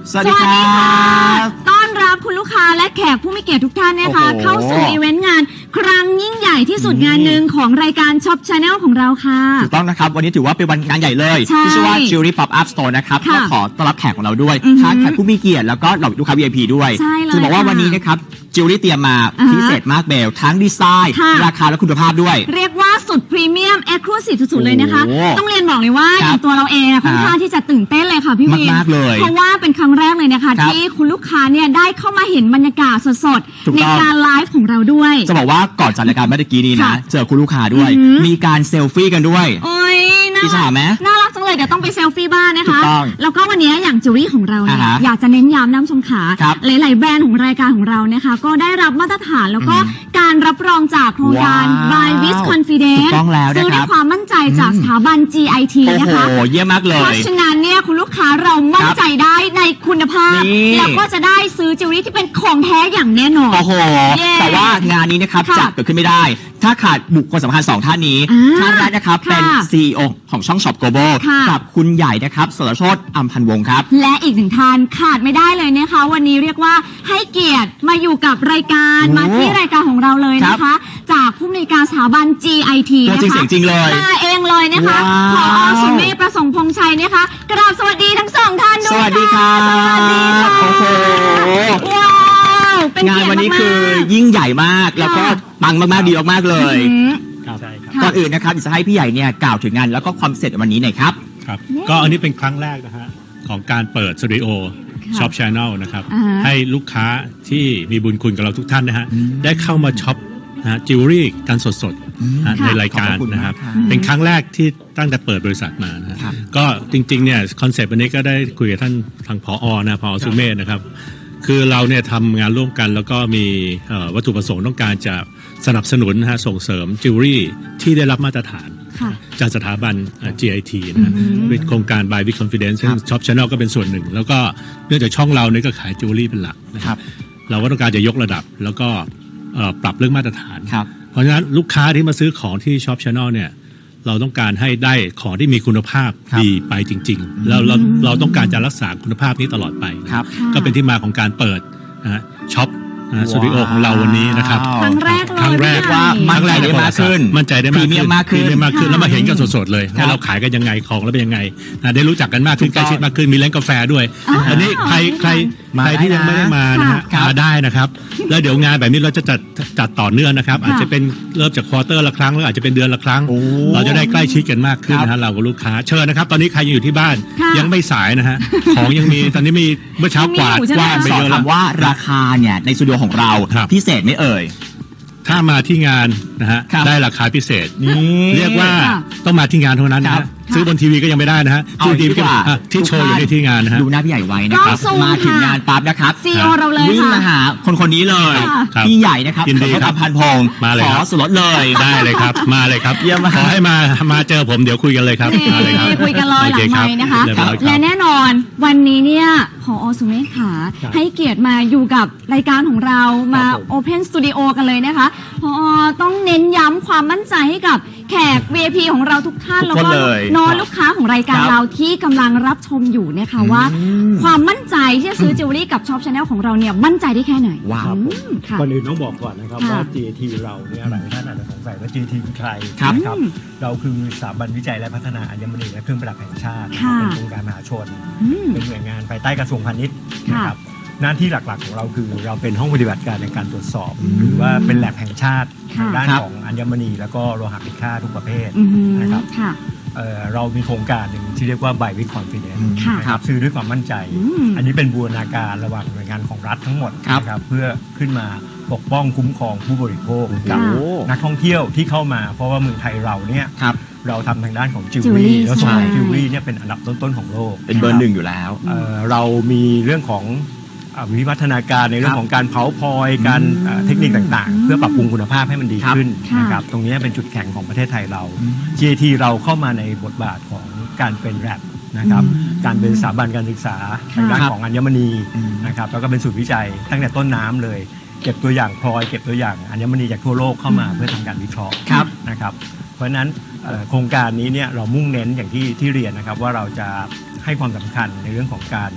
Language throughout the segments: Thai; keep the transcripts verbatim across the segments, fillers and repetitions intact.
สวัสดีครับต้อนรับคุณลูกค้าและแขกผู้มีเกียรติทุกท่านนะคะเข้าสู่อีเวนต์งานครั้งยิ่งใหญ่ที่สุดงานหนึ่งของรายการช็อปชาแนลของเราค่ะถูกต้องนะครับวันนี้ถือว่าเป็นวันงานใหญ่เลยที่ชื่อว่า Jewelry Pop Up Store นะครับก็ขอต้อนรับแขกของเราด้วยทั้งแขกผู้มีเกียรติแล้วก็เหล่าลูกค้า วี ไอ พี ด้วยจะบอกว่าวันนี้นะครับจิวเวลรี่เตรียมมาพิเศษมากเบลทั้งดีไซน์ราคาและคุณภาพด้วยเรียกว่าสุดพรีเมียมเอ็กซ์คลูซีฟสุดๆเลยนะคะต้องเรียนบอกเลยว่าอย่างตัวเราเองค่อนข้างที่จะตื่นเต้นเลยค่ะพี่วินเพราะว่าเป็นครั้งแรกเลยนะคะที่คุณลูกค้าเนี่ยได้เข้ามาเห็นบรรยากาศสดๆในการไลฟ์ของเราด้วยจะบอกว่าก่อนจัดรายการเมื่อกี้นี้นะเจอคุณลูกค้าด้วยมีการเซลฟี่กันด้วยโอ้ยน่ารักไหมน่ารักจังเลยเดี๋ยวต้องไปเซลฟี่บ้านนะคะแล้วก็วันนี้อย่างจิวเวลรี่ของเราเนี่ยอยากจะเน้นย้ำน้ำชมขาหลายๆแบรนด์ของรายการของเรานะคะก็ได้รับมาตรฐานแล้วก็การรับรองจากโครงการ Buy with Confidence ซื้อด้วยความมั่นใจจากสถาบัน จี ไอ ที นะคะโอ้โหเยี่ยมมากเลยเพราะฉะนั้นเนี่ยคุณลูกค้าเรามั่นใจได้ในคุณภาพแล้วก็จะได้ซื้อจิวเวลรี่ที่เป็นของแท้อย่างแน่นอนโอ้โหแต่ว่างานนี้นะครับจะเกิดขึ้นไม่ได้ถ้าขาดบุคคลสำคัญสองท่านนี้ท่านแรกนะครับเป็น ซี อี โอ ของช่อง Shop Global กับคุณใหญ่นะครับสรโชติอัมพันธ์วงศ์ครับและอีกหนึ่งท่านขาดไม่ได้เลยนะคะวันนี้เรียกว่าให้เกียรติมาอยู่กับรายการมาที่รายการของเราเลยนะคะจากผู้อำนวยการสถาบัน จี ไอ ทีนะคะจริงเสียงจริงเลยมาเองเลยนะคะผอ.สุเมธประสงค์พงษ์ชัยนะคะกราบสวัสดีทั้งสองท่านด้วยสวัสดีครับสวัสดีค่ะโอ้โหงานวันนี้คือยิ่งใหญ่มากแล้วก็ปังมากๆดีมากๆเลยก่อนอื่นนะครับจะให้พี่ใหญ่เนี่ยกล่าวถึงงานแล้วก็ความเสร็จวันนี้หน่อยครับครับก็อันนี้เป็นครั้งแรกนะฮะของการเปิดสตูดิโอช็อปชาแนลนะครับให้ลูกค้าที่มีบุญคุณกับเราทุกท่านนะฮะได้เข้ามาช็อปนะจิวเวลรี่กันสดๆในรายการนะครับเป็นครั้งแรกที่ตั้งแต่เปิดบริษัทมานะก็จริงๆเนี่ยคอนเซปต์วันนี้ก็ได้คุยกับท่านทางผอ.นะผอ.สุเมธนะครับคือเราเนี่ยทำงานร่วมกันแล้วก็มีวัตถุประสงค์ต้องการจะสนับสนุนนะฮะส่งเสริมจิวเวลรี่ที่ได้รับมาตรฐานจากสถาบัน จี ไอ ที นะเป็นโครงการ Buy with Confidence ซึ่ง Shop Channel ก็เป็นส่วนหนึ่งแล้วก็เนื่องจากช่องเราเนี่ยก็ขายจิวเวลรี่เป็นหลักนะครับเราก็ต้องการจะยกระดับแล้วก็ปรับเรื่องมาตรฐานเพราะฉะนั้นลูกค้าที่มาซื้อของที่ Shop Channel เนี่ยเราต้องการให้ได้ของที่มีคุณภาพดีไปจริงๆแล้วเราเราต้องการจะรักษาคุณภาพนี้ตลอดไปก็เป็นที่มาของการเปิดนะช็อปสตูดิโอของเราวันนี้นะครับครั้งแรกครั้งแรกว่ามั่นใจได้มากขึ้นมั่นใจได้มากขึ้นมากขึ้นมากขึ้นแล้วมาเห็นกันสดๆเลยว่าเราขายกันยังไงของแล้วเป็นยังไงได้รู้จักกันมากขึ้นใกล้ชิดมากขึ้นมีร้านกาแฟด้วยอันนี้ใครใครใครที่ยังไม่ได้มานะฮะมาได้นะครับแล้วเดี๋ยวงานแบบนี้เราจะจัดจัดต่อเนื่องนะครับอาจจะเป็นเริ่มจากควอเตอร์ละครั้งแล้วอาจจะเป็นเดือนละครั้งเราจะได้ใกล้ชิดกันมากขึ้นนะฮะเรากับลูกค้าเชิญนะครับตอนนี้ใครยังอยู่ที่บ้านยังไม่สายนะฮะของยังมีตอนนี้มีเมื่อเช้ากวาดกวาดไปเยอะแล้วว่าราคาเนี่ยในสตูดิโอของเราพิเศษไม่เอ่ยถ้ามาที่งานนะฮะได้ราคาพิเศษเรียกว่าต้องมาที่งานเท่านั้นนะซื้อบนทีวีก็ยังไม่ได้นะฮะซื้อทีวีที่โชว์อยู่ในที่งานนะฮะดูหน้าพี่ใหญ่ไว้นะครับมาถึงงานปั๊บนะครับซีอีโอเราเลยวิ่งมาหาคนคนนี้เลยพี่ใหญ่นะครับเขาทำพันพงขอส่วนลดเลยได้เลยครับมาเลยครับขอให้มามาเจอผมเดี๋ยวคุยกันเลยครับมาเลยครับคุยกันเลยหลังไมค์นะคะและแน่นอนวันนี้เนี่ยผอ.สุเมธขาให้เกียรติมาอยู่กับรายการของเรามา Open Studio กันเลยนะคะผอ.ต้องเน้นย้ำความมั่นใจให้กับแขก วี ไอ พี ของเราทุกท่านแล้วก็น้องลูกค้าของรายการเราที่กำลังรับชมอยู่นะคะว่าความมั่นใจที่จะซื้อจิวเวลรี่กับช็อปชาแนลของเราเนี่ยมั่นใจได้แค่ไหนว้าวก่อนอื่นต้องบอกก่อนนะครับว่า จี ไอ ที เราเนี่ยหลายท่านอาจจะสงสัยว่า จี ไอ ที คือใครนะครับเราคือสถาบันวิจัยและพัฒนาอัญมณีและเครื่องประดับแห่งชาติเป็นโครงการมหาชนเป็นหน่วยงานภายใต้กระทรวงพาณิชย์นะครับหน้าที่หลักๆของเราคือเราเป็นห้องปฏิบัติการในการตรวจสอบหรือว่าเป็นแลบแห่งชาติในด้านของอัญมณีแล้วก็โลหะมีค่าทุกประเภทนะครับเรามีโครงการหนึ่งที่เรียกว่า Buy with Confidence นะครับซื้อด้วยความมั่นใจอันนี้เป็นบูรณาการระหว่างหน่วยงานของรัฐทั้งหมดนะครับเพื่อขึ้นมาปกป้องคุ้มครองผู้บริโภคกับนักท่องเที่ยวที่เข้ามาเพราะว่าเมืองไทยเราเนี่ยเราทำทางด้านของจิวเวลรี่แล้วส่วนจิวเวลรี่เนี่ยเป็นอันดับต้นๆของโลกเป็นเบอร์หนึ่งอยู่แล้วเรามีเรื่องของวิวัฒนาการในเรื่องของการเผาพลอยการเทคนิคต่างๆเพื่อปรับปรุงคุณภาพให้มันดีขึ้นนะครับตรงนี้เป็นจุดแข็งของประเทศไทยเรา จี ไอ ที เราเข้ามาในบทบาทของการเป็นแรปนะครับการเป็นสถาบันการศึกษาทางด้านของอัญมณีนะครับแล้วก็เป็นศูนย์วิจัยตั้งแต่ต้นน้ำเลยเก็บตัวอย่างพลอยเก็บตัวอย่างอัญมณีจากทั่วโลกเข้ามาเพื่อทำการวิเคราะห์นะครับเพราะฉะนั้นโครงการนี้เนี่ยเรามุ่งเน้นอย่างที่ที่เรียนนะครับว่าเราจะให้ความสำคัญในเรื่องของการ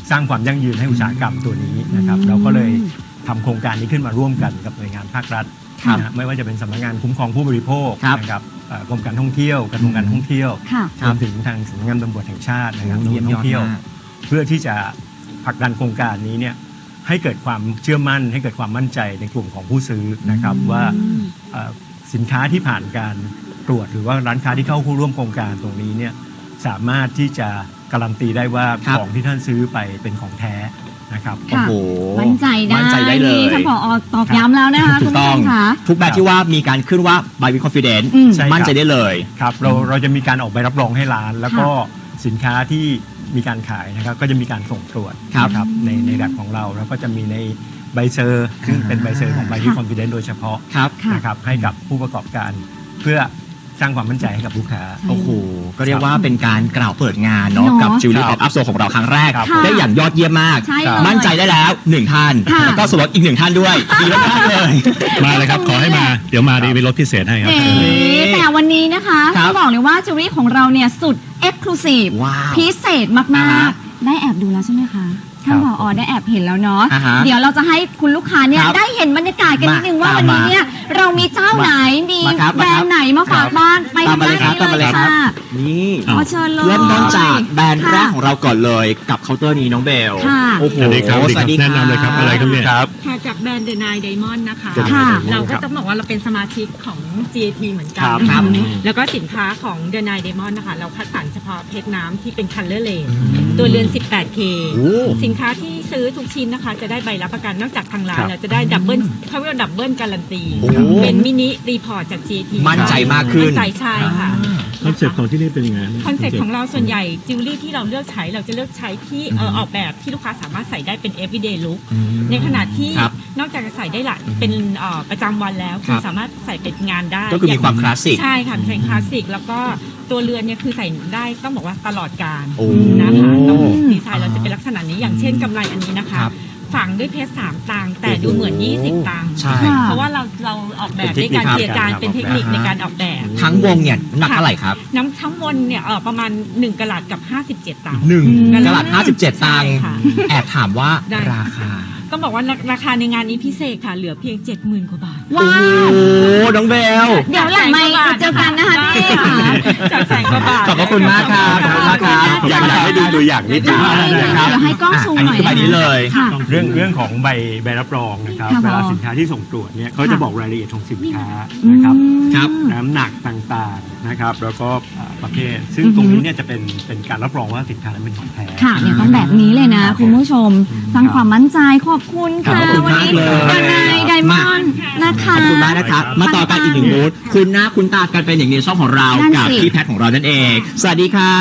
สร้างความยั่งยืนให้อุตสาหกรรมตัวนี้นะครับเราก็เลยทำโครงการนี้ขึ้นมาร่วมกันกับหน่วยงานภาครัฐนะฮะไม่ว่าจะเป็นสำนักงานคุ้มครองผู้บริโภคนะครับเอ่อกรมการท่องเที่ยวกระทรวงการท่องเที่ยวรวมถึงทางสำนักงานตำรวจแห่งชาตินะครับตำรวจท่องเที่ยวเพื่อที่จะผลักดันโครงการนี้เนี่ยให้เกิดความเชื่อมั่นให้เกิดความมั่นใจในกลุ่มของผู้ซื้อนะครับว่าเอ่อสินค้าที่ผ่านการตรวจหรือว่าร้านค้าที่เข้าร่วมโครงการตรงนี้เนี่ยสามารถที่จะการันตีได้ว่าของที่ท่านซื้อไปเป็นของแท้นะครับโอ้โหมั่นใจได้มั่นใจได้เลยนี่ท่านผอตอกย้ำแล้วนะคะถูคุณกผู้ต้ชองมค่ะทุกแบบที่ว่ามีการขึ้นว่า by with confidence อืมใช่ครับมั่นใจได้เลยครับเราเราจะมีการออกใบรับรองให้ร้าน แล้วก็สินค้าที่มีการขายนะครับก็จะมีการส่งตรวจครับนะครับในในแลบของเราแล้วก็จะมีในใบเซอร์ซึ่งเป็นใบเซอร์ของ by with confidence โดยเฉพาะครับนะครับให้กับผู้ประกอบการเพื่อสร้างความมั่นใจให้กับลูกค้าโอ้โห ก็เรียกว่าเป็นการกล่าวเปิดงานเนาะเนาะกับจิวเวลรี่คอรัอบ ฟอัพโซของเราครั้งแรกครับได้อย่างยอดเยี่ยมมากใช่เลยมั่นใจได้แล้วหนึ่งท่านค่ะแล้วก็ส่วนลดอีกหนึ่งท่านด้วย ดีมากๆเลยมาเลยครับ ขอให้มาเดี๋ยวมาดีมีรถพิเศษให้ครับเอ๋แต่วันนี้นะคะครับต้องบอกเลยว่าจิวเวลรี่ของเราเนี่ยสุดเอ็กซ์คลูซีฟว้าวพิเศษอ่ามากฮะๆ ได้แอบดูแล้วใช่ไหมคะท่านคผรับอได้แอบเห็นแล้วเนาะอ่าฮะเดี๋ยวเราจะให้คุณลูกค้าเนี่ยครับได้เห็นบรรยากาศกันนิดนึงว่ามาวันนี้ตามมาเนี่ยเรามีเจ้าไหนมีมาครับแบรนด์ไหนมาฝากครับบ้านไปตามมาเลยด้ครับตามมาเลยค่ะครับ นี่ขอเชิญเลยเริ่มต้นจากแบรนด์แรกค่ะของเราก่อนเลยกับเคาน์เตอร์นี้น้องเบลค่ะโอ้โหสวัสดีครับสวัสดีแนะนำเลยครับอะไรครับเนี่ยครับค่ะจากแบรนด์ The Nine Diamond นะคะค่ะเราก็ต้องบอกว่าเราเป็นสมาชิกของ จี เอ ที เหมือนกันครับนะครัคะบแล้วก็สินค้าของ The Nine Diamond นะคะ เราคัดสรรเฉพาะเพชรน้ำที่เป็น Color Lane ตัวเรือน สิบแปดเคโอ้สินค้าที่ซื้อทุกชิ้นนะคะ จะได้ใบรับประกันนอกจากทางร้าครันบเราจะได้ดับเบิลเขาเรียกว่าดับเบิลการันตีโอ้เป็นมินิรีพอร์ตจาก จี เอ ทีมั่นใจมากขึ้นมั่นใจใช่ค่ะคอนเซ็ปต์ของที่นี่เป็นยังไงคอนเซ็ปต์ของเราส่วนใหญ่จิวเวลรี่ที่เราเลือกใช้เราจะเลือกใช้ที่เอ่อออกแบบที่ลูกค้าสามารถใส่ได้เป็น everyday look ในขณะที่ครับนอกจากจะใส่ได้หละเป็นเอ่อประจำวันแล้วคคืรัอบ สามารถใส่เป็นงานได้ก็คือมีความคลาสสิกใช่ค่ะเป็นคลาสสิกแล้วก็ตัวเรือนเนี่ยคือใส่ได้ต้องบอกว่าตลอดการโอ้นะคะแล้วดีไซน์เราจะเป็นลักษณะนี้อย่างเช่นกำไรอันนี้นะคะครับฝังด้วยเพชรสามตังค์แต่ดูเหมือนยี่สิบตังค์ใช่ค่ะเพราะว่าเราเราออกแบบด้วยการเจียจานเป็นเทคนิคในการออกแบบทั้งวงเนี่ยน้ำหนักเท่าไหร่ครับน้ำทั้งวนเนี่ยเออประมาณหนึ่งกะลัดกับห้าสิบเจ็ดตังค์หนึ่งอืมกะลัดห้าสิบเจ็ดตังค์ใช่ค่ะแอบถามว่าได้ราคาต้องบอกว่าราราคาในงานนี้พิเศษค่ะเหลือเพียงเจ็ดหมื่นกว่าบาทว้าโอ้วน้องเบลเดี๋ยวหลังไม่มาเจอกันนะคะพี่ค่ะจากแสนกว่าบาทขอบพระคุณมากครับขอบคุณมากครับอยากอยากให้ดูตัวอย่างนิดนึงเดี๋ยวนะครับให้กล้องซูมอันหน่นี้อยคือใบนี้เลยค่ะเรื่องเรื่องของใบใบรับรองนะครับค่ะเวลาผอสินค้าที่ส่งตรวจเนี่ยเขาจะค่ะบอกรายละเอียดของสินค้านะครับครับน้ำหนักต่างๆนะครับแล้วก็อ่าประเภท ซึ่งตรงนี้เนี่ยจะเป็นเป็นการรับรองว่าสินค้านั้นเป็นของแท้ค่ะเนี่ยต้องแบบนี้เลยนะ คุณผู้ชมสร้างความมั่นใจขอบคุณค่ะขอบคุณวัมากนี้เลยดนายไดมอนด์นะคะขอบคุณมากนะครับ มาต่อกันอีกหนึ่งบูธคุณหน้าคุณตากันเป็นอย่างในช่องของเรานั่นกับสิพี่แพทของเรานั่นเอง สวัสดีครับ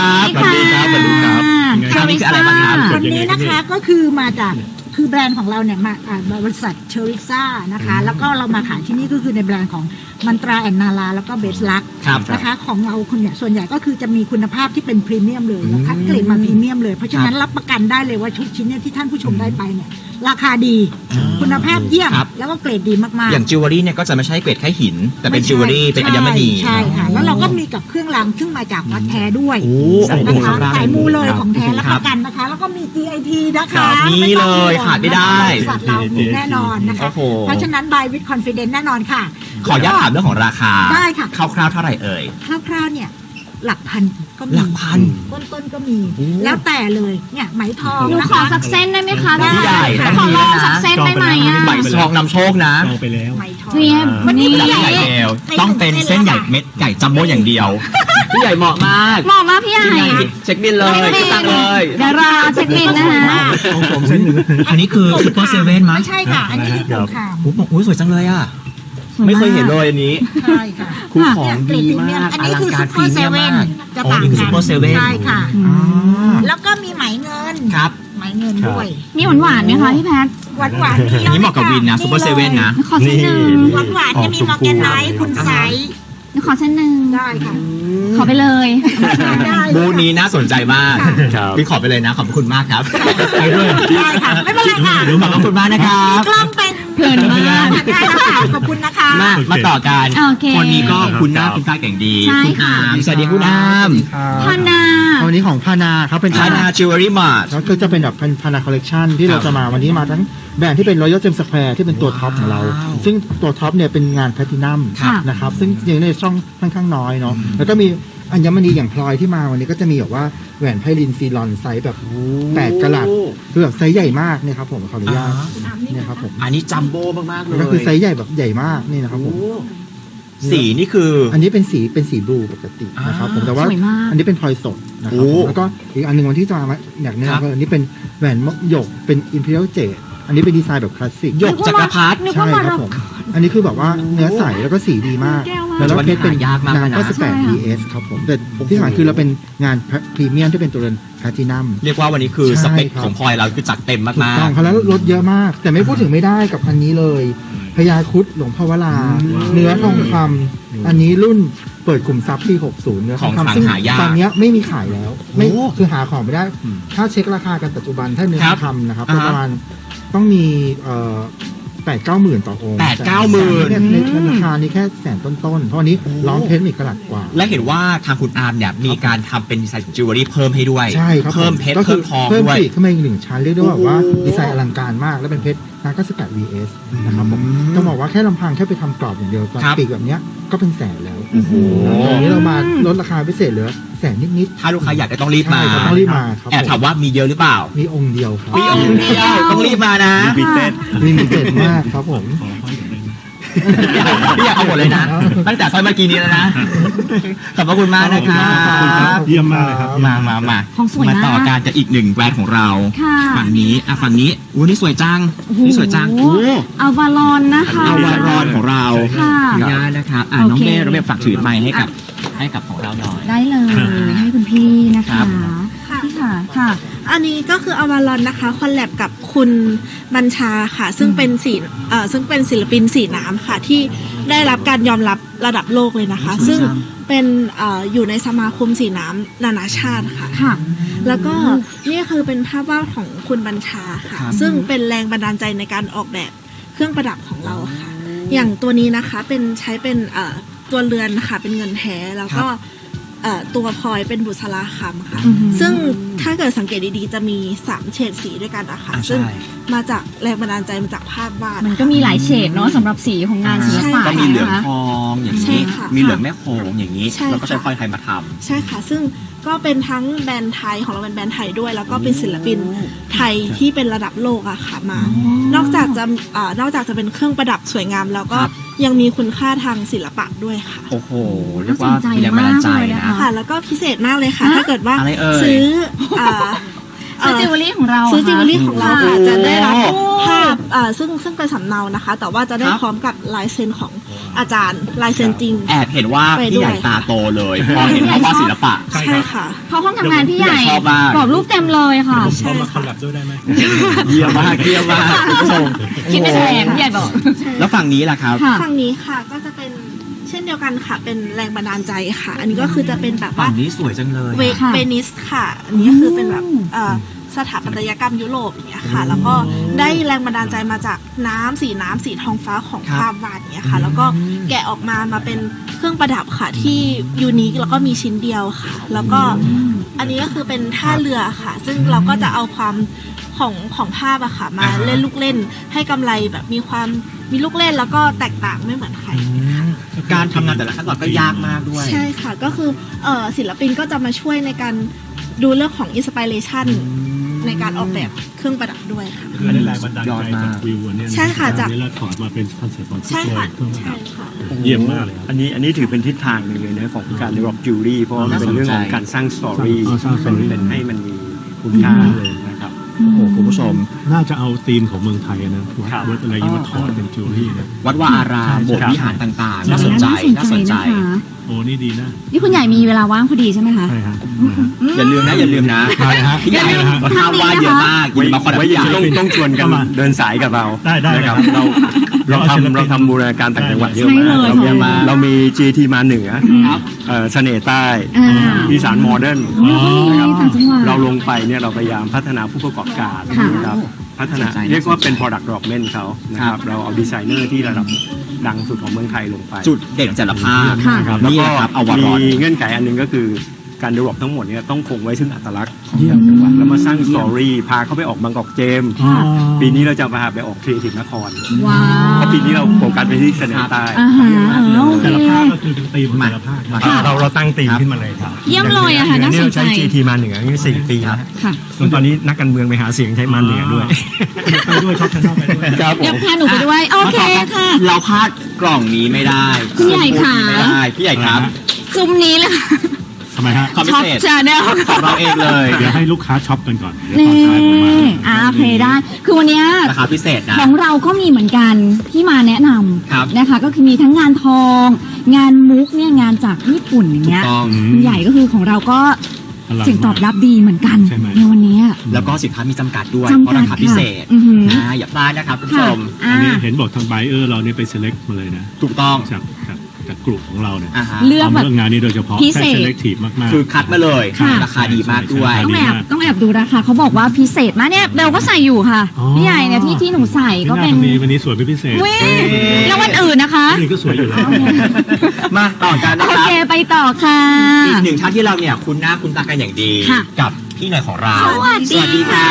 สวัสดีครับสวัสดีครับสวัสดีครับอันนี้คืออะไรบ้างครับวันนี้นะคะก็คือมาจากคือแบรนด์ของเราเนี่ยมาอ่าบริษัทเชอริซ่านะคะ แล้วก็เรามาขายที่นี่ก็คือในแบรนด์ของมันตราแอนนาลาแล้วก็เบสลักครับนะคะของเราคุณเนี่ยส่วนใหญ่ก็คือจะมีคุณภาพที่เป็นพรีเมียมเลยแล้วคัดเกรดมาพรีเมียมเลยเพราะฉะนั้นรับประกันได้เลยว่าชุดชิ้นเนี่ยที่ท่านผู้ชมได้ไปเนี่ยราคาดี คุณภาพเยี่ยมครับแล้วก็เกรดดีมากๆอย่างจิวเวลรี่เนี่ยก็จะไม่ใช่เกรดแค่หิน แต่เป็นจิวเวลรี่เป็นอัญมณีใช่ค่ะ แล้วเราก็มีกับเครื่องรางซึ่งมาจากวัดแท้ด้วยโอ้นะคะโอ้โหสายมูเลยของแท้รับคปรับระกันนะคะ แล้วก็มี จี ไอ ที นะครัคะบนี่ต้องเลยห่วงขาดไม่ได้บริษัทเรามีแน่นอนนะคะโอ้โหเพราะฉะนั้น buy with confidence แน่นอนค่ะขออนุญาตถามเรื่องของราคาได้ค่ะคร่าวๆเท่าไหร่เอ่ยคร่าวๆเนี่ยหลักพันก็มีหลักพันต้นๆก็มีโอ้แล้วแต่เลยเนี่ยไหมทองหนูนะขอคะสักเส้นได้ไหมคะได้พี่ใหญ่ขต้อองมีลแล้อวงนะสักเส้นได้ไหมอ่ะใบซองนำโชคนะจองไปแล้วไหมทองเรียบวันนี้นี่พี่พี่ใหใหญ่ญ่เบลต้องเป็นเส้นใหญ่เม็ดใหญ่จัมโบ้อย่างเดียว พี่ใหญ่เหมาะมากเหมาะมากพี่ใหญ่พี่ใหญ่เช็คบินเลยเช็คบินตังเลยเดี๋ยวรอเช็คบินนะคะของผมเส้นหนึ่งอันนี้คือซูเปอร์เซเว่นมั้ยไม่ใช่ค่ะ อันนี้คือสงครามโอ้โหสวยจังเลยอ่ะ ไม่เคยเห็นเลยอันนี้ใช่ค่ะคือของดีมากอันอนี้ลังคือการซูพเปรีอร์เซเมียมเว่นมากจะอ๋อต่างนี่คือกัซูเปอร์เซเว่นใช่ค่ะอ๋อแล้วก็มีไหมเงินครับไหมเงินด้วยมีหวานหวานๆไหมคะพี่แพทหวานหวานๆอันนี้เหมาะกับวินนะซูเปอร์เซเว่นนะขอเส้นหนึ่งหวานหวานๆจะมีมอร์แกนไนท์คุณไซส์ขอเส้นหนึ่งได้ค่ะขอไปเลยได้บูธนี้น่าสนใจมากครับพี่ขอไปเลยนะ ขอบคุณมากครับ ไปด้วยได้ค่ะ ไม่เป็นไรค่ะขอบคุณมากนะครับกล้องเป็นเพลินมากได้แล้วค่ะขอบคุณนะคะมาโอเคมาต่อกันโอเคคนนี้ก็คุณหน้าคุณตาเก่งดีใช่คุณค่ะอามสวัสดีคุณอามพานาวันนี้ของพานาครับเป็นชานาจิวเวลรี่มาร์ทแล้วก็จะเป็นแบบพานาคอลเลกชันที่เราจะมาวันนี้มาทั้งแบรนด์ที่เป็น Royal Gem Square ที่เป็นตัวท็อปของเราว้าวซึ่งตัวท็อปเนี่ยเป็นงานแพลตินัมค่ะนะครับซึ่งยังในช่องค่อนข้างน้อยเนาะแล้วก็มีอัญมณีอย่างพลอยที่มาวันนี้ก็จะมีแบบว่าแหวนไพลินซีลอนไซส์แบบแปดกะรัตคือแบบไซส์ใหญ่มากเนี่ยครับผมขออนุญาตเนี่ยครับผมอันนี้จัมโบ้มากๆเลแล้วยก็คือไซส์ใหญ่แบบใหญ่มากนี่นะครับผมโอ้สีนี่คืออันนี้เป็นสีเป็นสีบลูปกตินะครับผมแต่ว่าสวยมากอันนี้เป็นพลอยสดนะครับโอ้ผมแล้วก็อีกอันหนึ่งวันที่จะมาอยากแนะครับนำก็อันนี้เป็นแหวนมกหยกเป็น Imperial Jade อันนี้เป็นดีไซน์แบบคลาสสิกหยกจักรพรรดินึกใช่ว่ามาครัเราบผมอันนี้คือแบบว่าเนื้อใสแล้วก็สีดีมากแก้วมากแล้วเราเพชรเป็นหายากมากงานนะก็สิบแปดใช่พีค่ะเอสครับผมแต่ที่สำคัญคือเราเป็นงานพรีเมียมที่เป็นตัวเรือนแพลตินัมเรียกว่าวันนี้คือใช่สเปคครับของพลอยเราคือจัดเต็มมาถูกกต้องเขาแล้วลดเยอะมาก แต่ไม่พูดถึงไม่ได้กับอันนี้เลยพญาครุฑหลวงพ่อวราเนื้อทองคำอันนี้รุ่นเปิดกลุ่มทรัพย์ปีหกสิบเนื้อทองของคำขลังซึ่งหายากตอนเนี้ยไม่มีขายแล้วไม่โอ้คือหาของไม่ได้ ถ้าเช็คราคากันปัจจุบันถ้าเนื้อคทรัอบ งคำนะครับอ่าฮะประมาณต้องมีเอ่อแปดเก้าหมื่นต่อองค์แปดเก้าหมื่นแต่ในในราคานี้แค่แสนต้นๆเพราะอันนี้ล้อมเพชรอีกกระลัดกว่าและเห็นว่าทางคุณอาร์มเนี่ยมีการทำเป็นดีไซน์ของจิวเวลรี่เพิ่มให้ด้วยใช่ครับเพิ่มเพชรก็คืเพิ่มทองเพิ่มด้วยปีกขึ้นมาอีกหนึ่งชั้นเรียกได้ว่าโอ้โหว่าดีไซน์อลังการมากแล้วเป็นเพชรนาก็สกัด วี เอส นะครับผมอืมต้องบอกว่าแค่ลำพังแค่ไปทำกรอบอย่างเดียวครับปีกแบบเนี้ยก็เป็นแสนแล้วโอ้โหวันนี้เรามาลดราคาพิเศษเหลือแสนนิดถ้าลูกค้าอยากได้ต้องรีบๆมาใช่ครับต้องรีบมาครับแอบถามผมว่ามีเยอะหรือเปล่ามีองค์เดียวครับมีองค์เดียวต้องรีบมานะบิเต็ดมีมิเต็ดมากครับผมขอห้อยหน่อยได้ไหมพี่อยากเอาหมดเลยนะ ตั้งแต่ซอยเมื่อกี้นี้แล้วนะ ขอบพระคุณมากนะครับขอบคุณครับเยี่ยมมากเลยครับมามามาของสวยมากต่อการกับอีกหนึ่งแบรนด์ของเราค่ะฝั่งนี้อ่ะฝั่งนี้อู้นี่สวยจังโอ้โหนี่สวยจังอาวาลอนนะคะอาวารอนของเราค่ะขออนุญาตนะครับอ่ะโอน้องเคเบ้เราเบ้ฝากถือไมค์ให้กับให้กับของเราหน่อยได้เลยให้คุณพี่นะครัคะบพี่ค่ะค่ะอันนี้ก็คืออวารอนนะคะคอลแลบกับคุณบัญชาค่ะ ซึ่งเป็นสีเอ่อซึ่งเป็นศิลปินสีน้ำค่ะ ที่ได้รับการยอมรับระดับโลกเลยนะคะสวยจังซึ่งเป็นเอ่ออยู่ในสมาคมสีน้ำนานาชาติค่ะค่ะแล้วก็นี่คือเป็นภาพวาดของคุณบัญชาค่ะ ซึ่งเป็นแรงบันดาลใจในการออกแบบเครื่องประดับของเราค่ะ อย่างตัวนี้นะคะเป็นใช้เป็นเอ่อตัวเรือนค่ะเป็นเงินแท้แล้วก็เอ่อตัวพลอยเป็นบุษราคำค่ะอือหือซึ่งถ้าเกิดสังเกตดีๆ จะมีสามเฉดสีด้วยกันอะค่ะอ่าใช่ซึ่งมาจากแรงบันดาลใจมาจากภาพวาดมันก็มีหลายเฉดเนาะสำหรับสีของงานศิลปะก็มีเหลืองนะคะทองอย่างใช่นี้ค่ะมีเหลืองแม่โขงอย่างนี้ใช่แล้วก็ใช้ค่ะพลอยไทยมาทำใช่ค่ะ ซึ่งก็เป็นทั้งแบรนด์ไทยของเราเป็นแบรนด์ไทยด้วย แล้วก็เป็นศิลปินไทยที่เป็นระดับโลกอะค่ะมา นอกจากจะอ่านอกจากจะเป็นเครื่องประดับสวยงาม แล้วก็ครับยังมีคุณค่าทางศิลปะด้วยค่ะโอ้โหเรียกว่ามีแรงบันดาลใจน่าสนใจมากเลยนะนะคะค่ะ แล้วก็พิเศษมากเลยค่ะฮะถ้าเกิดว่าอะไรเอ่ยซื้ออ่าซื้อจิวเวลรี่ของเราซื้อจิวเวลรี่ของเราค่ะโอ้จะได้รับโอ้ภาพอ่าซึ่งซึ่งเป็นสำเนานะคะ แต่ว่าจะได้ครับพร้อมกับลายเซ็นของอาจารย์ลายเซ็นจริงแอบเห็นว่าไปพี่ด้วยใหญ่ตาโตเลยพอเห็นภาพวาดศิลปะใช่ใช่ครับค่ะเพราะห้องทำงานพี่ใหญ่ชอบมากกรอบรูปเต็มเลยค่ะผมเข้ามาคอลแลบด้วยได้ไหมเยี่ยมมากเยี่ยมมากคุณผู้ชมคิดเป็นแผนพี่ใหญ่บอกแล้วฝั่งนี้ล่ะครับค่ะฝั่งนี้ค่ะก็จะเป็นเช่นเดียวกันค่ะ เป็นแรงบันดาลใจค่ะ อันนี้ก็คือจะเป็นแบบฝั่ว่างนี้สวยจังเลยเวค่ะเวนิสค่ะ อันนี้ก็คือเป็นแบบอืมเอ่อสถาปัตยกรรมยุโรปอย่างเงี้ยค่ะ แล้วก็ได้แรงบันดาลใจมาจากน้ำสีน้ำสีทองฟ้าของครับภาพวาดเนี้ยค่ะ แล้วก็แกะออกมามาเป็นเครื่องประดับค่ะที่ยูนิคแล้วก็มีชิ้นเดียวค่ะ แล้วก็อันนี้ก็คือเป็นท่าเรือค่ะ ซึ่งเราก็จะเอาความของของภาพอะค่ะ มาอ่าฮะเล่นลูกเล่นให้กำไรแบบมีความมีลูกเล่นแล้วก็แตกต่างไม่เหมือนใครการทำงานแต่ละขั้นตอนก็ยากมากด้วยใช่ค่ะ ก็คือเอ่อศิลปินก็จะมาช่วยในการดูเรื่องของอินสปิเรชันในการออกแบบเครื่องประดับด้วยค่ะคือได้แรงบันดาลยอดใจมากจากวิวอันเนี้ยนใช่ค่ะจากอันนี้เราถอดมาเป็นคอนเซ็ปต์ของใช่ค่ะเครื่องประดัใช่บค่ะเยี่ยมมากเลยครับอันนี้อันนี้ถือเป็นทิศทางหนึ่งเลยนะของการ develop jewelry เพราะว่ามันเป็นเรื่องของการสร้างสตอรี่อ๋อสร้าง story เป็นให้มันมีคุณค่าเลยนะครับโอ้โหคุณผู้ชมน่าจะเอาธีมของเมืองไทยนะวัดครับวัดอะไรอย่างนี้มาถอดเป็นจิวเวลรี่นะวัดวาอารามโบสถ์วิหารต่างๆ น่าสนใจ น่าสนใจนะคะโอ้นี่ดีนะนี่คุณใหญ่มีเวลาว่างพอดีใช่ไหมคะใช่ฮะอย่าลืมนะ อย่าลืมนะได้ฮะพี่ใหญ่ได้ฮะภาพวาดเยอะมากอย่ามาคอนไว้พี่ใหญ่ต้องต้องชวนกันเข้ามาเดินสายกับเราได้ได้นะครับเลยครับเราเราเราเอาศิลปินทำเราทำบูรณาการต่างจังหวัดเยอะใช่มากเลยเราค่ะมีเรามี จี ที มาเหนือครับเอ่อเสน่ห์ใต้อ่าอีสานโมเดิร์นอ๋อนะครับต่างจังหวัดเราลงไปเนี่ยเราพยายามพัฒนาผู้ประกอบการค่ะนะครับพัฒนาสนใจเรียกว่าเป็นสนใจ product development เขานะครับเราเอาดีไซเนอร์ที่ระดับดังสุดของเมืองไทยลงไปจุดเด่นของแต่ละภาคค่ะนะครับแล้วนี่ก็แหละครับเอาวารมีอนเงื่อนไขอันหนึงก็คือการ develop ทั้งหมดเนี่ยต้องคงไว้ซึ่งอัตลักษณ์ของแต่ละจังหวัดแล้วมาสร้างสตอรี่พาเขาไปออกบางกอกเจมส์อ๋อปีนี้เราจะพาไปออกครีเอทีฟนครว้าวเพราะปีนี้เราโฟกัสไปที่เสนอใต้อ่าฮะโอเคแต่ละภาคก็คือเป็นธีมของแต่ละภาคนะอ่าเราเราตั้งธีมขึ้นมาเลยครับเยี่ยมเลยอะค่ะย่งน่าสนใจเราใช้ จี ที มาเหนือนี่สี่ปีแล้วค่ะจนตอนนี้นักการเมืองไปหาเสียงใช้มาเหนือด้วยไปด้วยชอบชอบไปด้วยครับผเดี๋ยวมพาหนูไปด้วย โอเคค่ะเราพลาดกล่องนี้ไม่ได้พี่ใหญ่ค่ะไม่ได้พี่ใหญ่ครับซุมนี้เลยค่ะทำไมฮะความพิช็อปเศษชาแนลของเราเองเลยเดี๋ยวให้ลูกค้าช็อปกันก่อนเดี๋ยวนี่ตอนท้ายผมมาอ่าโอเคได้ คือวันเนี้ยราคาพิเศษนะของเราก็มีเหมือนกันที่มาแนะนครับำนะคะ ก็คือมีทั้งงานทอง งานมุกเนี่ยงานจากญี่ปุ่นอย่างถูเงี้กยต้องคุณใหญ่ก็คือของเราก็อลังเสียงตอบรับดีเหมือนกันใช่ไหมในวันเนี้ยแล้วก็สินค้ามีจำกัดด้วยจำกัดเพราะราคาพิเศษค่ะอือหืออ่าอย่าพลาดนะครับคุณผู้ชค่ะมอ่าอันนี้เห็นบอกทางไบเออร์เราเนี่ยไป select มาเลยนะถูกต้องจากจากจากกลุ่มของเราเนี่ยอ่าฮะเลือกแบบทำเรื่องงานนี้โดยเฉพาะพิเศษใช่ selective มากๆคือคัดมาเลยค่ะราคาดีมากด้วยต้องแอบต้องแอบดูราคาเขาบอกว่าพิเศษมากเนี่ยเบลก็ใส่อยู่ค่ะอ๋อพี่ใหญ่เนี่ยที่ที่หนูใส่ก็เป็นมีวันนี้สวยเป็นพิเศษเว้ยแล้ววันอื่นนะคะวันนี้ก็สวยอยู่แล้วมาต่อกันนะโอครับเคไปต่อค่ะอีกหนึ่งท่านที่เราเนี่ยคุ้นหน้าคุ้นตากันอย่างดีค่ะกับพี่หน่อยของเราสวัสดีสวัสดีครับ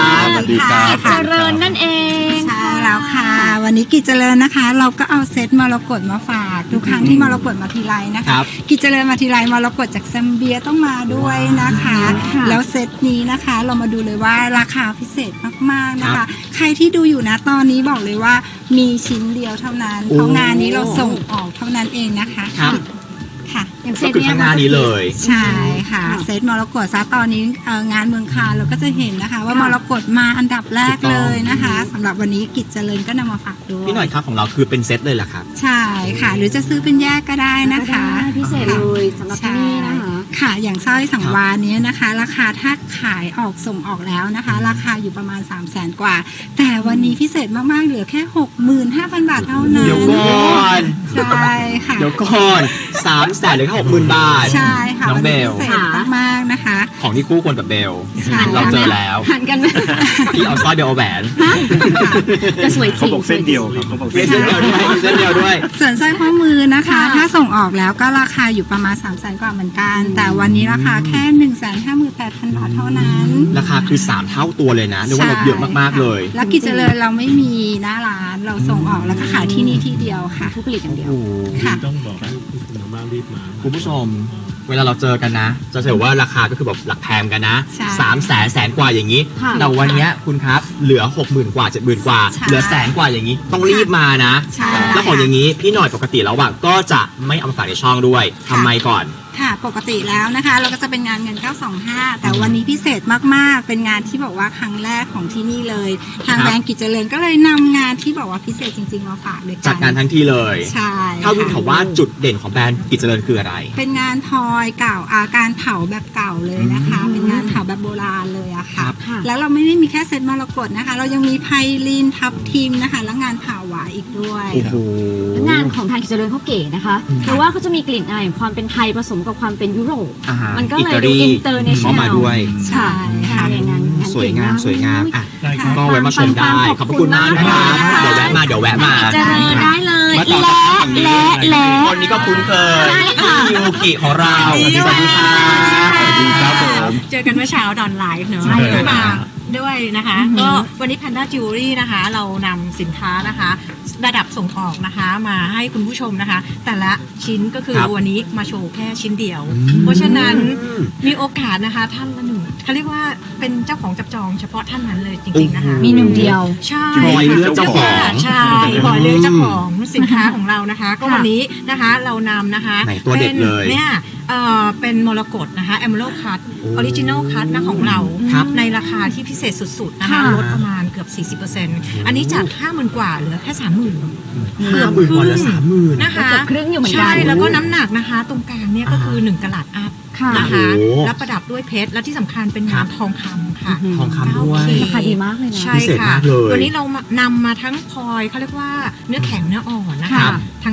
สวัสดีค่ะเจริญนั่นเองใช่แล้วค่ะ วันนี้กิจเจริญนะคะ เราก็เอาเซตมรกตมาฝากทุกครั้งที่มรกตมาทีไรนะครัคะบกิจเจริญมาทีไรมรกตจากแซมเบียต้องมาด้วยนะคะค่ะแล้วเซตนี้นะคะเรามาดูเลยว่าราคาพิเศษมากๆนะครัคะบใครที่ดูอยู่นะตอนนี้บอกเลยว่ามีชิ้นเดียวเท่านั้นโอ้เพราะงานนี้เราส่งออกเท่านั้นเองนะคะครับค่ะอย่างเซก็ตคือเนี้ยข้างหน้านี้เลยใช่ค่ะเซตมรกตซะตอนนี้เอ่องานเมืองคานเราก็จะเห็นนะคะ ว่ามรกตมาอันดับแรกเลยนะคะสำหรับวันนี้กิจเจริญก็นำมาฝากด้วยพี่หน่อยครับของเราคือเป็นเซตเลยเหรอครับใช่ค่ะ หรือจะซื้อเป็นแยกก็ได้นะคะได้พิเศษเลยสำหรับที่นี่นะคะค่ะ อย่างสร้อยสังวาลเนี้ยนะคะ ราคาถ้าขายออกส่งออกแล้วนะคะ ราคาอยู่ประมาณ สามแสนกว่า แต่วันนี้พิเศษมากๆเหลือแค่ หกหมื่นห้าพัน บาทเท่านั้นเดี๋ยวก่อนใช่ค่ะเดี๋ยวก่อนสามแสนหรือแค่หกหมื่นบาทใช่ค่ะน้องวันเบนี้ลพิเศษมากๆนะคะของที่คู่ควรกับเบลใช่เราเจอแล้วหันกันไหมพี่เอาสร้อยเบลเอาแหวนจะสวยจเขาริงบอกเส้นเดียวครับเขาบอกมีเส้นเส้นเดีเดียยว วด้วยมีเส้นเดียวด้วยส่วนสร้อยข้อมือนะคะค่ะถ้าส่งออกแล้วก็ราคาอยู่ประมาณ สามแสนกว่าเหมือนกัน แต่วันนี้ราคาแค่ หนึ่งแสนห้าหมื่นแปดพัน บาทเท่านั้นราคาคือสามเท่าตัวเลยนะเรียกว่าลดเยอะมากๆเลยแล้วกิจเจริญเราไม่มีหน้าร้านเราส่งออกแล้วก็ขายที่นี่ที่เดียวค่ะผู้ผลิตอย่างเดียวโอ้โหค่ะต้องบอกให้คุณมารีบมาคุณผู้ชม เวลาเราเจอกันนะ จะเห็นว่าราคาก็คือแบบหลักแพงกันนะใช่สามแสนแสนกว่าอย่างนี้ค่ะแต่วันเนี้ยคุณครับเหลือหกหมื่นกว่าเจ็ดหมื่นกว่าใช่เหลือแสนกว่าอย่างนี้ ต้องรีบมานะใช่แล้วของอย่างนี้พี่หน่อยปกติแล้วอะก็จะไม่เอามาฝากในช่องด้วยทำไมก่อนค่ะ ปกติแล้วนะคะ เราก็จะเป็นงานเงินเก้าสองห้าแต่วันนี้พิเศษมากๆ เป็นงานที่บอกว่าครั้งแรกของที่นี่เลย ทางครับแบรนด์กิจเจริญก็เลยนำงานที่บอกว่าพิเศษจริงๆมาฝากเลยกันจัดงานทั้งที่เลยใช่ถ้าวินค่ะถามว่าจุดเด่นของแบรนด์กิจเจริญคืออะไรเป็นงานทอยเก่าอาการเผาแบบเก่าเลยนะคะอืมเป็นงานเผาแบบโบราณเลยอะครัค่ะบค่ะแล้วเราไม่ได้มีแค่เซตมรกตนะคะ เรายังมีไพลินทับทิมนะคะ แล้วงานเผาหวายอีกด้วยโอ้โหงานของทางกิจเจริญเขาเก๋นะคะเพราะว่าเขาจะมีกลิ่นอายของความเป็นไทยผสมกับความเป็นยุโรปอ่าฮะมันก็เลยอิตาลีดู international เข้ามาด้วยใช่ค่ะงานงานงานสวยงามเก๋กสวยงามอ่ะได้ครับก็ไว้มาชมได้ ขอบพระคุณมากนะครับขอบคุณมากเดี๋ยวแวะมาเดี๋ยวแวะมาเจริญได้เลยมาต่อและกับฝั่งนี้และและคนนี้ก็คุ้นเคยใช่ค่ะพี่ยูกิของเรา สวัสดีครับสวัสดีครับผมเจอกันเมื่อเช้าดอนไลฟ์เนอะใช่เลยมาด้วยนะคะ ก็วันนี้ Panda Jewelry นะคะ เรานำสินค้านะคะ ระดับส่งออกนะคะ มาให้คุณผู้ชมนะคะ แต่ละชิ้นก็คือครับวันนี้มาโชว์แค่ชิ้นเดียวอืมเพราะฉะนั้นมีโอกาสนะคะ ท่านละหนึ่งเขาเรียกว่าเป็นเจ้าของจับจองเฉพาะท่านนั้นเลยจริงๆนะคะมีหนึ่งเดียวใช่พลอยเลือกเจ้าของใช่พลอยเลือกเจ้าของสินค้าของเรานะคะ ก็วันนี้นะคะเรานำนะคะไหนตัวเด็ดเลยป็นเนี่ยเอ่อเป็นมรกตนะคะ Emerald Cut โอ้ Original Cut นะของเราครับในราคาที่พิเศษสุดๆนะคะค่ะลดประมาณเกือบ สี่สิบเปอร์เซ็นต์ อันนี้จาก ห้าหมื่น กว่าเหลือแค่ สามหมื่นห้าหมื่นกว่าเหลือสามหมื่นนะคะเกือบครึ่งอยู่เหมือนกันใช่แล้วก็น้ำหนักนะคะ ตรงกลางเนี่ยก็คือหนึ่งกะลัดอัพค่ะนะคะโอ้โหแล้วประดับด้วยเพชรและที่สำคัญเป็นงานทองคำค่ะทองคำด้วยราคาดีมากเลยนะใช่พิเศษค่ะมากเลยตัวนี้เรานำมาทั้งพลอยเขาเรียกว่าเนื้อแข็งเนื้ออ่อนนะครัคะบทั้ง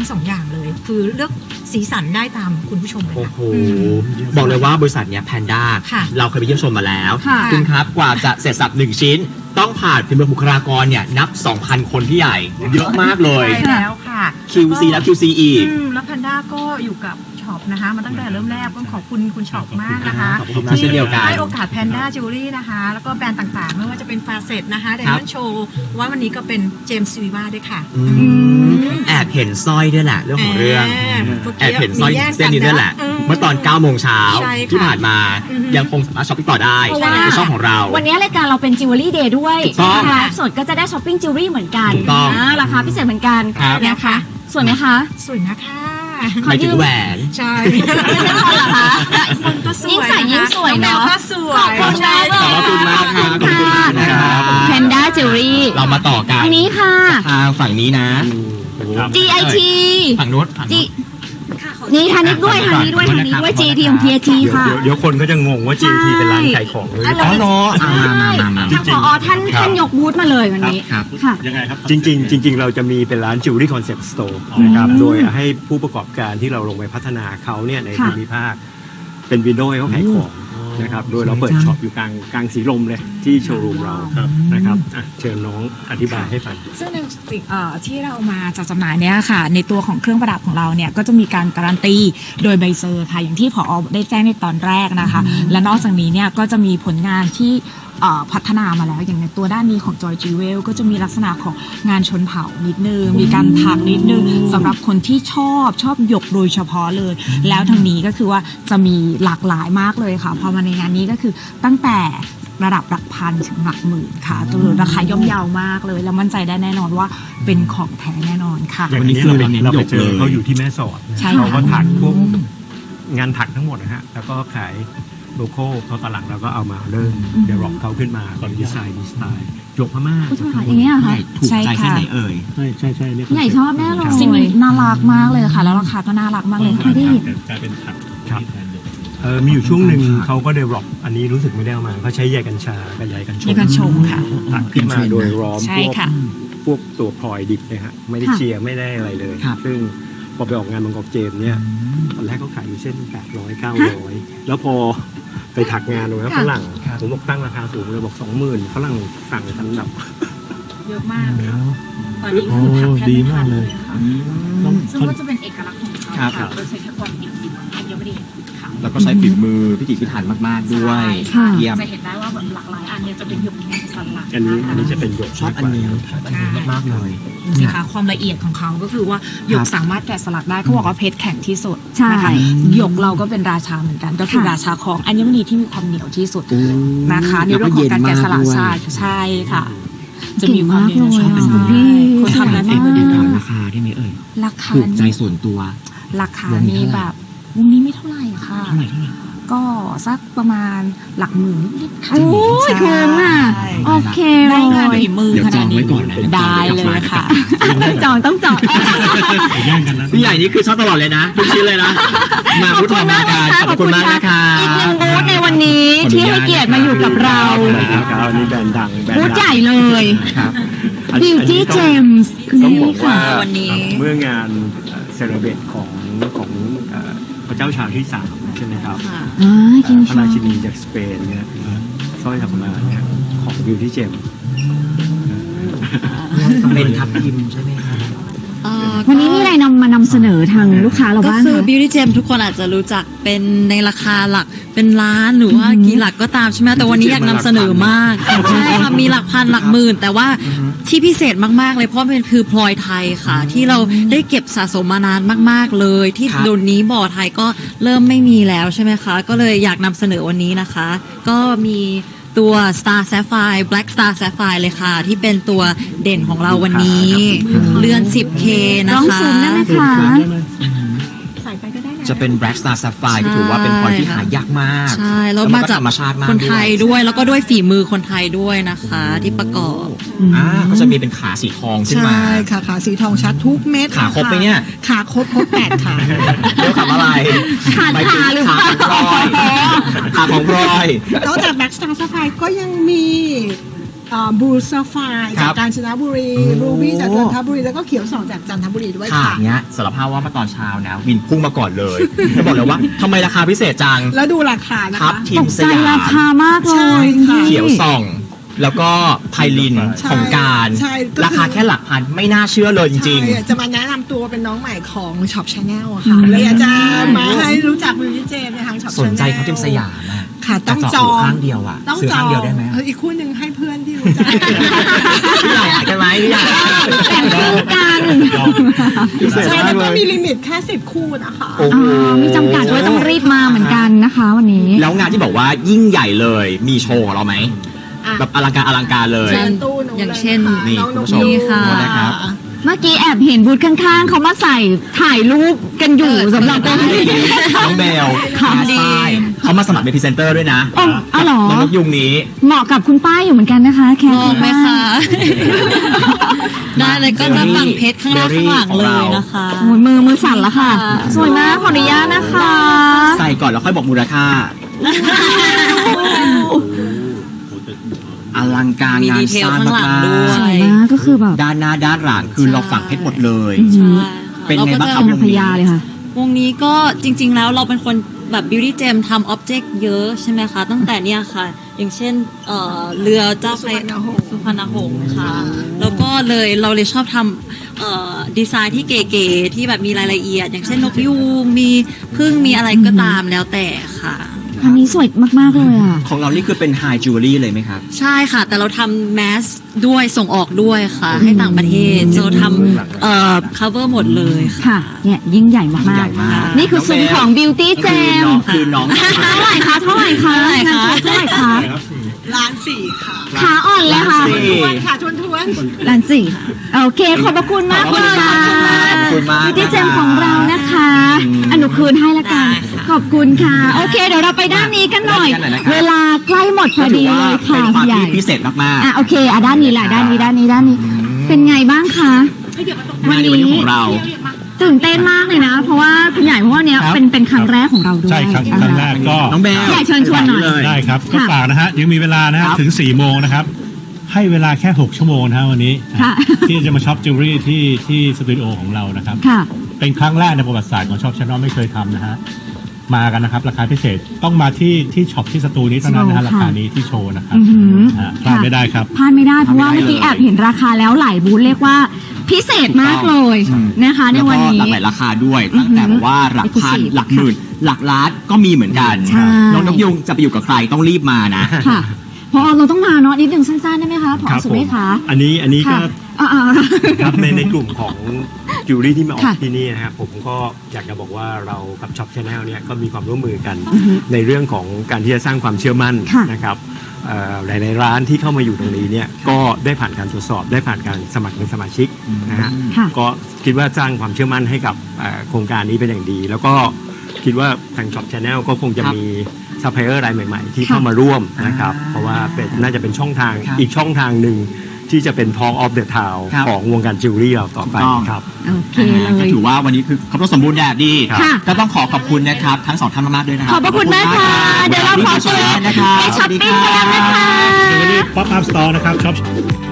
งสองอย่างเลย คือเลือกสีสันได้ตามคุณผู้ชมเลยโอ้ค่ะโหบอกเลยว่าบริษัทเนี้ยแพนด้าค่ะเราเคยไปเยี่ยมชมมาแล้วค่ะคุณครับกว่าจะเสร็จสับหนึ่งชิ้น ต้องผ่านฝีมือบุคลากรเนี่ยนับ สองพัน คนพี่ใหญ่ เยอะมากเลยใช่แล้วค่ะคิว ซี แล้ว คิว ซี อีกอืมแล้วแพนด้าก็อยู่กับช็อปนะคะมาตั้งแต่เริ่มแรกต้องขอบคุณคุณช็อปมากนะคะขอบคุณมากเช่นเดียวกันให้โอกาสแพนด้าจิวเวลรี่นะคะแล้วก็แบรนด์ต่างๆ ไม่ว่าจะเป็นฟาเซตนะคะไดมอนด์โชว์ว่าวันนี้ก็เป็นเจมส์ซีวีวาด้วยค่ะอืมแอบเห็นสร้อยด้วยแหละเรื่องของเรื่อง แอบเห็นสร้อยเส้นนี้ด้วยแหละ เมื่อตอนเก้าโมงเช้าใช่ค่ะที่ผ่านมาอือฮึยังคงสามารถช้อปปิ้งต่อได้เพราะว่าในช่องของเราวันนี้รายการเราเป็นจิวเวลรี่เดย์ด้วยถูกต้องนะคะสดก็จะได้ช้อปปิ้งจิวเวลรี่เหมือนกันถูกต้องนะราคาพิเศษเหมือนกันครับนะคะสวยไหมคะสวยนะคะหมายถึงแหวนใช่ไม่ใช่คนเหรอคะคนก็สวยยิ่งใส่ยิ่งสวยเนอะองแมก็สวยขอบคุณมากเลยขอบคุณมากครับขอบคุณมากนะครับแพนด้าจิวเวลรี่เรามาต่อกันอันนี้ค่ะทางฝั่งนี้นะจี ไอ ทีฝั่งนู้นฝั่งจีนู้นนี่ทางนี้ด้วยทางนี้ด้วยทางนี้ด้วย จี ที ของ พี เอ ทีเดี๋ยวค่ะเดี๋ยวเดี๋ยวคนก็จะงงว่า จี ที เป็นร้านขายของเลยอ๋อเหรออ่ามามามาทางผอท่านท่านยกบูธมาเลยวันนี้ครับค่ะยังไงครับจริงๆจริง ๆ เราจะมีเป็นร้าน Jewelry Concept Store นะครับ โดยให้ผู้ประกอบการที่เราลงไปพัฒนาเขาเนี่ยในค่ะภูมิภาค เป็นวินโดว์ให้เขาขายของนะครับ โดยเราเปิดช็อปอยู่กลางกลางสีลมเลยที่โชว์รูมเราครับนะครับอ่ะเชิญน้องอธิบายให้ฟังซึ่งในสิ่งเอ่อที่เรามาจัดจำหน่ายเนี่ยค่ะในตัวของเครื่องประดับของเราเนี่ยก็จะมีการการันตีโดยใบเซอร์ค่ะอย่างที่ผอได้แจ้งในตอนแรกนะคะ และนอกจากนี้เนี่ยก็จะมีผลงานที่เอ่อพัฒนามาแล้วอย่างในตัวด้านนี้ของ Joy Jewel ก็จะมีลักษณะของงานชนเผ่านิดนึงมีการถักนิดนึงสำหรับคนที่ชอบชอบหยกโดยเฉพาะเลย แล้วทางนี้ก็คือว่าจะมีหลากหลายมากเลยค่ะพอมาในงานนี้ก็คือตั้งแต่ระดับหลักพันถึงหลักหมื่นค่ะตัวราคาย่อมเยาวมากเลย แล้วมั่นใจได้แน่นอนว่าเป็นของแท้แน่นอนค่ะอย่างวันนี้นี้คือเราเราเน้นเราไปหยกเจอเลยเขาอยู่ที่แม่สอดนะใช่เขาก็ค่ะถักพวกงานถักทั้งหมดนะฮะ แล้วก็ขายโลโก้เขาตอนหลังเราก็เอามาเริ่มเดเวลลอปเขาขึ้นมาเป็นดีไซน์ดีสไตล์หยกพม่าอุ๊ยจะมาอย่างเงี้ยเหรอใหคะญ่ถูกใจแค่ไหนเอ่ยใช่ใช่ใช่เรียกใหญ่ชอบแน่เลยสิ่งนี้น่ารักมากเลยค่ะ แล้วราคาก็น่ารักมากเลยค่ะไม่ได้ยินกลายเป็นถักครับที่แทนหยกเออมีอยู่ช่วงหนึ่งเขาก็เดเวลลอปอันนี้รู้สึกไม่ได้เอามาเขาใช้ใยกัญชากับใยกัญชงใยกัญชงค่ะถักขึ้นมาโดยร้อมใช่พวกค่ะพวกตัวพลอยดิบเลยฮะไม่ได้ค่ะเชียร์ไม่ได้อะไรเลยครับซึ่งพอไปออกงานบางกอกเจมส์เนี่ยตอนแรกเขาขายอยู่เส้นแปดร้อยเก้าร้อยแล้วพอไปถักงานตรงนั้นค่ะฝรั่งผมบอกตั้งราคาสูงเลยบอกสองหมื่นฝรั่งสั่งกันแบบเยอะมากค่ะตอนนี้คือทำแทบไม่ทันเลยค่ะซึ่งก็จะเป็นเอกลักษณ์ของเขาครับค่ะโดยใช้แค่ความดิบอัญมณีค่ะแล้วก็ใช้ฝีมือพิถีพิถันมากๆด้วยค่ะเยี่ยมจะเห็นได้ว่าแบบหลากหลายอันเนี่ยจะเป็นหยกแกะสลักอันนี้อันนี้จะเป็นหยกชอบอันนี้ชอบอันนี้มากๆเลยดูสิคะความละเอียดของเขาก็คือว่าหยคกรับสามารถแกะสลักได้เขาบอกว่าเพชรแข็งที่สุดใช่นะคะหยกเราก็เป็นราชาเหมือนกัน ก็คือค่ะราชาของอัญมณีที่มีความเหนียวที่สุดอืมนะคะในเรื่องของการแกะสลักแล้วก็เย็นมากด้วยใช่ใช่ค่ะ จะมีความเก่งมากเลยชอบเป็นอ่ะพี่คุณคนทำนั้นเอเอง งเองถามราคาได้ไหมเอ่ยราคาถูกใจส่วนตัวราคาวงนี้นี้เท่าไหร่แบบวงนี้ไม่เท่าไหร่ค่ะเท่าไหร่เท่าไหร่ก็สักประมาณหลักหมื่นนิดๆค่ะโอ้ยใช่คุ้มอ่ะ โอเคเลได้งานยฝีมือเดี๋ยวขจนาอดงนี้ไว้ก่อนนะได้เลยค่ะจองต้องจองแย่งกันนะพี่ใหญ่นี่คือชอบตลอดเลยนะทุกชิ้นเลยนะ มาพูดทอมาการขอบคุณมากนะคะอีกหนึ่งบูธในวันนี้ที่ให้เกียรติมาอยู่กับเรานะครับอันนี้แบรนด์ดังแบรนด์บูธดังใหญ่เลยครับอันนี้ Beauty อันนี้ต้อง Gems คือต้องนี่บอกว่าค่ะวันนี้เมื่องานเซเลเบรตของของเอ่อพระเจ้าชาที่สามใช่ไหมครับอ่ากินพระราชินีจากสเปนเนี่ยสร้อยทำมาเนี่ยของบิวตี้เจมเป็นทับทิมใช่ไหมครับวันนี้มีอะไรนำมานำเสนอทางลูกค้าเราก็บ้างคือคะ Beauty Gem ทุกคนอาจจะรู้จักเป็นในราคาหลักเป็นล้านหรือว่ากี่หลักก็ตามใช่ไหมแต่วันนี้อยากนำเสนอมากใช่ค่ะมีหลักพันหลักหมื่น แต่ว่าที่พิเศษมากๆเลยเพราะมันคือพลอยไทยค่ะ ที่เราได้เก็บสะสมมานานมากๆเลย ที่ครับเดี๋ยวนี้บ่อไทยก็เริ่มไม่มีแล้วใช่ไหมคะ ก็เลยอยากนำเสนอวันนี้นะคะ ก็มีตัว Star Sapphire Black Star Sapphire เลยค่ะ ที่เป็นตัวเด่นของเราวันนี้ เรือน สิบเค นะลองคะซูมได้ไหมคะใส่ไปก็ได้นะจะเป็น Black Star Sapphire ที่ถือว่าเป็นพลอยที่หายากมากใช่แล้วนมาจากธรรมชาติมากคนไทยด้วยด้วยแล้วก็ด้วยฝีมือคนไทยด้วยนะคะ ที่ประกอบอ่าก็จะมีเป็นขาสีทองขึ้นมาใช่ค่ะขาสีทองชัดทุกเม็ดขาครบไหมเนี่ยขาครบครบแปดขาเรียกขาอะไรขาดหมายถึงขาหรือเปล่าขาของพลอยขาของพลอยนอกจากแบ็กสตาร์ซัฟไฟก็ยังมีบูซาไฟจากกาญจนบุรีรูบี้จากจันทบุรีแล้วก็เขียวสองจากจันทบุรีด้วยค่ะค่ะเนี้ยสารภาพว่าเมื่อตอนเช้านะวินพุ่งมาก่อนเลยแล้วบอกเลยว่าทำไมราคาพิเศษจังแล้วดูราคานะครัคะบทีตมกสใจยามราคามากเลใช่ยค่ะเขียวส่อง แล้วก็ไพลินใช่ของการใช่ก็คือราคาแค่หลักพันไม่น่าเชื่อเลยจริงใช่จะมาแนะนำตัวเป็นน้องใหม่ของช็อปชาแนลค่ะเลยอยากจะมาให้รู้จักวิววิเจมในทางช็อปๆชาแนลสนใจเขาทีมสยามอะค่ะต้องจจะอเจาะหูงข้างเดียวอะต้องซื้อจอข้างงเดียวได้ไหมเอออีกคู่หนึ่งให้เพื่อนที่รู้จักพี่ใหญ่ใช่ไหมพี่ใหญ่แต่งคู่กันพิเศษใช่มาแล้วกเลก็ยมีลิมิตแค่สิบคู่นะคะโอ้โหอ่ามีจำกัดด้วยต้องรีบมาเหมือนกันนะคะวันนี้แล้วงานที่บอกว่ายิ่งใหญ่เลยมีโชว์ของเราไหมอ่ะแบบอลังการอลังการเลยเช่นตู้หนูอย่างลเช่นค่ะนี่องคุณกผู้ชมยูค่ะนะครับเมื่อกี้แอบเห็นบูธข้างๆเขามาใส่ถ่ายรูปกันอยู่สำหรับตรงนี้น้องเบลค่ะแคสป้ายเขามาสมัครเป็นพรีเซนเตอร์ด้วยนะอ๋ออ๋อเหรอน้องนกยุงนี้เหมาะกับคุณป้าอยู่เหมือนกันนะคะ แค่มองไหมคะ ได้เลยก็จะฝั่งเพชรข้างหน้าข้างหลังเลยนะคะโอ้ยมือมือสั่นแล้วค่ะ สวยมากขออนุญาตนะคะใส่ก่อนแล้วค่อยบอกมูลค่า อลังการมีงานดีเทลสร้างข้างหลังมากด้วยสวยมากก็คือแบบๆด้านหน้าด้านหลังคือเราฝังเพชรหมดเลยใช่เป็นไงบ้างคเรรับก็นางพญาเลยค่ะวงนี้ก็จริง ๆ แล้วเราเป็นคนแบบ beauty gem ทำ object เยอะใช่ไหมคะ ตั้งแต่เนี่ยค่ะ อย่างเช่นเอ่อเรือเจ้าพระสุพรรณหงส์ค่ะ แล้วก็เลยเราเลยชอบทำเอ่อดีไซน์ที่เก๋ๆที่แบบมีรายละเอียด อย่างเช่นนกยูงมีพึ่งมีอะไรก็ตามแล้วแต่ค่ะอันนี้สวยมากๆเลยอ่ะของเรานี่คือเป็นไฮจิวเวลรี่เลยไหมครับใช่ค่ะ แต่เราทำแมสด้วยส่งออกด้วยค่ะ ให้ต่างประเทศเราทำเอ่อ cover หมดเลยค่ะค่ะ เนี่ยยิ่งใหญ่ยิ่งมาใหญ่กมากๆ นี่คือซุ้มของ Beauty คือ Gem น้องคือน้องเท่าไหร่คะเท่าไหร่คะเท่าไหร่คะเท่าไหร่คะล้านสี่ค่ะขาอ่อนเลยค่ะล้านสี่ทวนค่ะทวนทวนล้านสี่โอเค ขอบพระคุณมากเลยค่ะขอบคุณมาก Beauty Gem ของเรานะคะอันหนูคืนให้ละกัน ขอบคุณค่ะ โอเค เดี๋ยวเราไปด้านนี้กันหน่อยด้านนี้กันหน่อยนะครับเวลาใกล้หมดพก็อถืดีอว่าเลยเป็ค่ะนความพี่ใหญ่ที่พิเศษมากๆอ่ะโอเคอ่ะด้านนี้แหละด้านนี้ด้านนี้ด้านนี้ เป็นไงบ้างคะงานในวันนี้ของเราตื่นเต้นมากเลยนะ เพราะว่าคุณใหญ่เพราะว่าเนี้ยครับเป็นเป็นครั้งแรกของเราด้วยใช่ครับครั้งแรกก็น้องเบลอยากเชิญชวนหน่อยได้ครับ ก็ค่ะฝากนะฮะ ยังมีเวลานะฮะครับถึง4ี่โมงนะครับ ให้เวลาแค่ หก ชั่วโมงนะฮะวันนี้ค่ะที่จะมาช็อปจิวเวลรี่ที่ที่สตูดิโอของเรานะครับค่ะเป็นครั้งแรกในประวัติศาสตร์ของช็อปชานอลไม่เคยทำนะฮะ มากันนะครับ ราคาพิเศษต้องมาที่ที่ช็อปที่สตูนี้เท่านั้นนะฮะโชว์ราค่ะคานี้ที่โชว์นะครับอือหือฮะพลาดไม่ได้ครับพลาดไม่ได้เพราะว่าพลาดไม่เมื่อได้กี้เลยแอบเห็นราคาแล้วหลายบูธเรียกว่าพิเศษมากเลยนะคะ ในแล้ววันก็นี้หลากหลายราคาด้วย ตั้งแต่แบบว่าหลักพัน Exclusive หลักหมื่น หลักล้านก็มีเหมือนกันใช่น้องนกยุงจะไปอยู่กับใครต้องรีบมานะค่ะพอเราต้องมาเนาะนิดนึงสั้นๆได้ไหมคะพอครับสุผมเมฆคะอันนี้อันนี้ก็ค่ะอ่าๆครับในในกลุ่มของจิวเวลรี่ที่มาออกค่ะที่นี่นะครับผมก็อยากจะบอกว่าเรากับช็อปชาแนลเนี่ยก็มีความร่วมมือกันอือฮึในเรื่องของการที่จะสร้างความเชื่อมั่นค่ะนะครับเอ่อหลายๆร้านที่เข้ามาอยู่ตรงนี้เนี่ยก็ได้ผ่านการตรวจสอบได้ผ่านการสมัครเป็นสมาชิกนะฮะค่ะก็คิดว่าสร้างความเชื่อมั่นให้กับเอ่อโครงการนี้เป็นอย่างดี แล้วก็คิดว่าทางช็อปชาแนลก็คงจะครับมีซัพพลายเออร์รายใหม่ ๆ ที่ค่ะเข้ามาร่วมนะครับอ่าเพราะว่าเป็นน่าจะเป็นช่องทางครับอีกช่องทางหนึ่งที่จะเป็น Talk of the Town ครับของวงการจิวเวลรี่เราต่อไปถูกต้องครับโอเคอ่าเลก็ยถือว่าวันนี้คือครบรถสมบูรณ์แบบดีค่ะก็ต้องขอขอบคุณนะครับ ทั้งสองท่านมากๆด้วยนะครัขอบพระคุณมากค่ะ เดี๋ยวเราขอตัวนะครับไปช้อปปิ้งกันแล้วนะคะจิวเวลรี่ป๊อปอัพสตอร์นะครับช็อป